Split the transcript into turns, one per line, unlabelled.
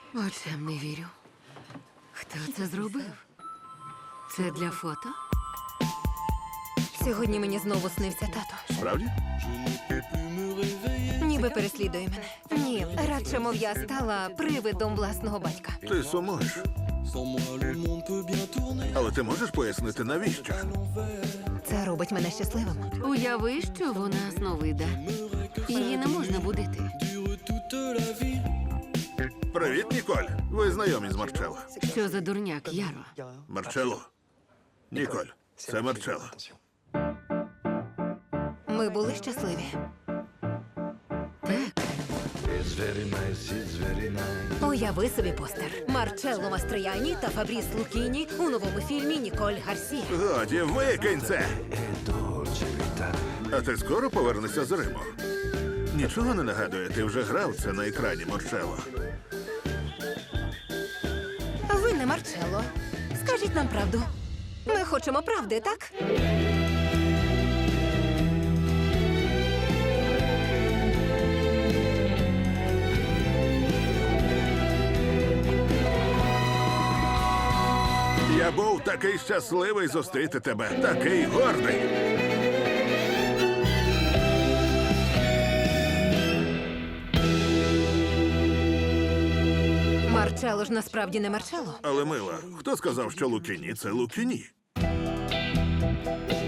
Очам не вірю. Хто це зробив? Це для фото?
Сьогодні мені знову снився тато.
Справді?
Ніби переслідує мене. Ні, радше, мов я стала привидом власного батька.
Ти сумуєш. Але ти можеш пояснити, навіщо?
Це робить мене щасливим.
Уяви, що вона сновида. Її не можна будити.
Привіт, Ніколь. Ви знайомі з Марчелло.
Що за дурняк, Яро?
Марчелло. Ніколь, це Марчелло.
Ми були щасливі.
Так.
Уяви собі постер. Марчелло Мастрияні та Фабріс Лукіні у новому фільмі Ніколь Гарсія.
Годі, викинь це! А ти скоро повернешся з Риму? Нічого не нагадує, ти вже грав це на екрані, Марчелло.
Ви не Марчелло. Скажіть нам правду. Ми хочемо правди, так?
Я був такий щасливий зустріти тебе, такий гордий.
Марчелло ж насправді не Марчелло.
Але, мила, хто сказав, що Лукіні – це Лукіні?